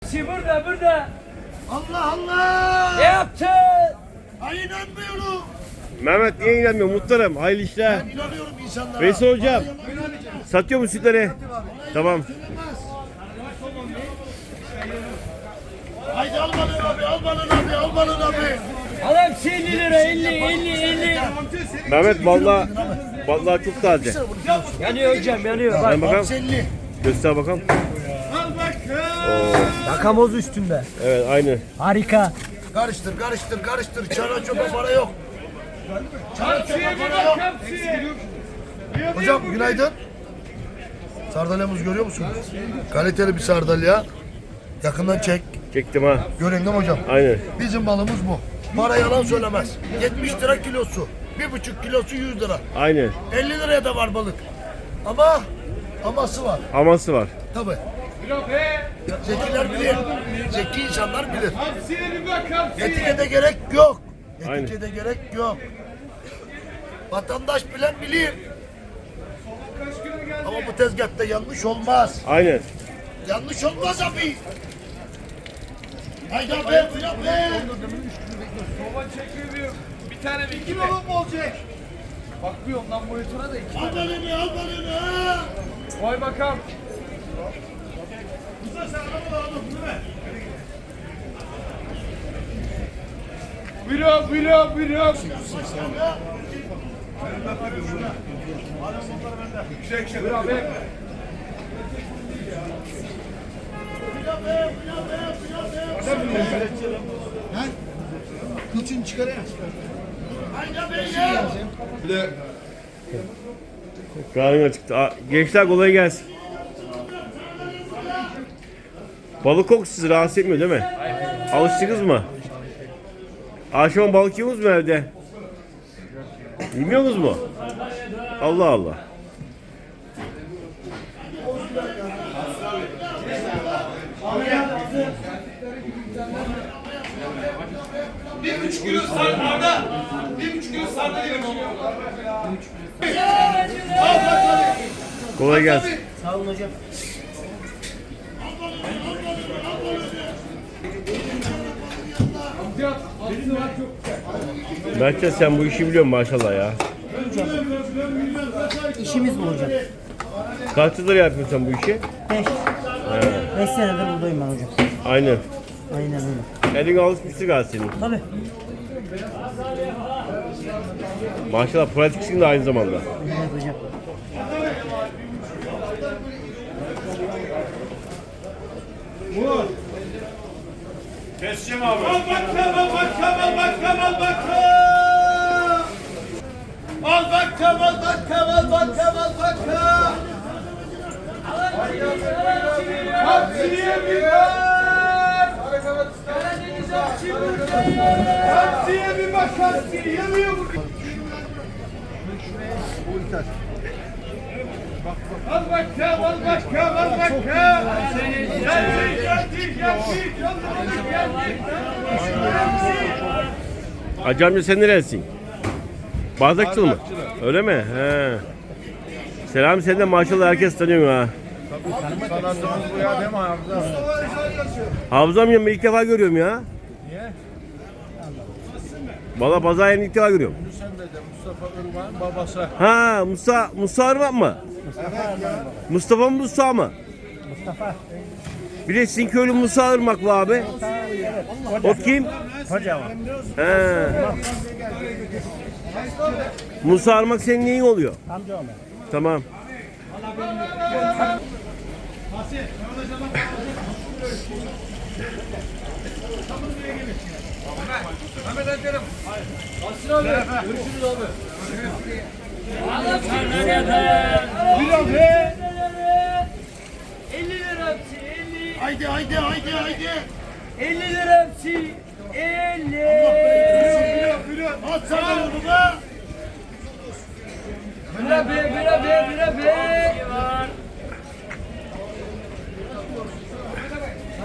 hepsi burada burada. Allah Allah! Ne yaptın? Ay inanmıyorum. Mehmet niye inanmıyor? Muhtarım. Hayırlı işler. Ben inanıyorum insanlara. Veysel hocam. Bana yalan söyleyeceğim. Satıyor mu sütleri? Tamam. Söylemez. Haydi al balığını abi, al balığını abi, al balığını abi. Al hepsi 50 lira 50. Mehmet vallahi çok taze. Yanıyor hocam yanıyor. Bak. Ben bakalım. Hamsi 50. Göster bakalım. Yakamoz üstünde. Evet aynı. Harika. Karıştır. Çana çoba para yok. Çana çoba para yok. Hocam günaydın. Sardalyamızı görüyor musunuz? Kaliteli bir sardalya. Yakından çek. Çektim ha. Görün değil mi hocam? Aynen. Bizim balımız bu. Para yalan söylemez. 70 lira kilosu. 1,5 kilosu 100 lira. Aynen. 50 liraya da var balık. Aması var. Aması var. Tabii. Zekiler bilir. Zeki insanlar bilir. Etikete gerek yok. Aynen. Etikete gerek yok. Vatandaş bilen bilir. Ama bu tezgahta yanlış olmaz. Aynen. Yanlış olmaz abi. Haydi abi, filan be. Soba çekiyor. Bir tane bir iki balon mu olacak? Bakmıyorum lan monitöre de iki. Al balını. Vay bakalım. Buyurun. Buyur abi. Kılçın çıkarıyor. Haydi abi. Karnına çıktı. Gençler kolay gelsin. Balık kokusu sizi rahatsız etmiyor değil mi? Alıştınız mı? Akşam balık yiyorsunuz mu evde? Yemiyorsunuz mu? Allah Allah. Bir buçuk kilo sarda. 1,5 kilo sarda yedim. Kolay gelsin. Sağ olun hocam. Mertcan sen bu işi biliyorsun maşallah ya. İşimiz bu hocam. Kaç yıldır yapıyorsun sen bu işi? 5 senedir buradayım ben hocam. Aynen. Aynen öyle. Elin alışmıştı galiba senin. Tabii. Maşallah pratiksin de aynı zamanda. Evet hocam. Keseceğim abi. Al bakalım. Hamsiye bir bak. Hamsiye yanıyor bu. Al bakalım. Hacı amca sen neresin? Bardakçılı mı? Öyle mi? He. Selam sen de maşallah herkes tanıyor ha. Sanatımız bu ya değil mi Hamza? Hafız amcamı ilk defa görüyorum ya. Niye? Valla pazar yerini ilk defa görüyorum. Sen de Mustafa Irmak'ın babası. Ha Musa Armak mı? Mustafa mı Musa mı? Mustafa. Bir de sizin köylü Musa Irmak var abi. O kim? Hocam. He. Musa Armak senin neyin oluyor? Amca olma. Tamam. Ahmet Erkan'ım. Aslı abi. Görüşürüz abi. Bir abi. 50 lira hepsi 50. Haydi. 50 lira hepsi 50.